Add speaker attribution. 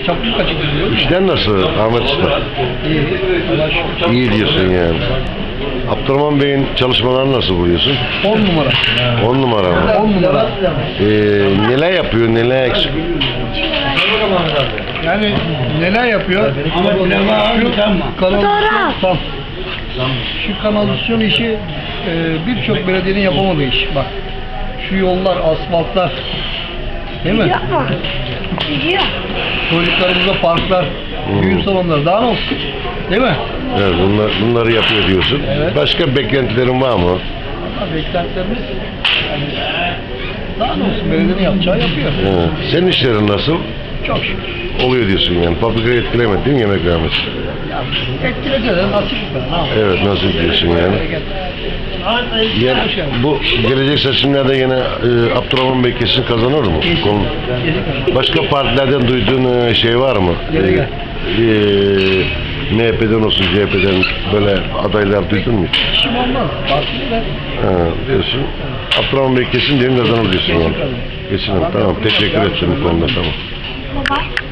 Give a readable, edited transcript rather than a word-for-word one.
Speaker 1: çaput kaçırıyor.
Speaker 2: İşler nasıl Ahmet Usta?
Speaker 1: İyi. Allah şükür.
Speaker 2: İyi diyorsun yani. Abdurrahman Bey'in çalışmalarını nasıl buluyorsun?
Speaker 1: 10 numara.
Speaker 2: 10 numara mı?
Speaker 1: 10 numara.
Speaker 2: Neler yapıyor, neler eksik?
Speaker 1: Yani neler yapıyor? Şu kanalizasyon tam. Şu kanalizasyon işi birçok belediyenin yapamadığı iş. Bak. Şu yollar, asfaltlar. Değil mi?
Speaker 3: Yapma. Gidiyor.
Speaker 1: Çocuklarımıza parklar, düğün salonları daha ne olsun? Değil mi?
Speaker 2: Evet, bunları yapıyor diyorsun.
Speaker 1: Evet.
Speaker 2: Başka beklentilerin var mı?
Speaker 1: Ama beklentilerimiz yani daha ne olsun, belediyenin yapacağı yapıyor.
Speaker 2: Evet. Senin işlerin nasıl?
Speaker 1: Çok şükür.
Speaker 2: Oluyor diyorsun yani. Fabrikayı etkilemedi değil mi yemek vermesi?
Speaker 1: Ya, etkiledi de nasip be. Ne yapalım?
Speaker 2: Evet, nasıl diyorsun yani? Ya, bu gelecek seçimlerde yine Abdurrahman Bey kesin kazanır mı? Başka partilerden duyduğun şey var mı? MHP'den olsun, CHP'den böyle adaylar duydun mu?
Speaker 1: İşim olmaz. Partili de.
Speaker 2: Diyorsun. Abdurrahman Bey kesin diyelim kazanır diyorsun yani. Kesin. Tamam. Teşekkür ederim bu konuda. Tamam.
Speaker 3: Baba.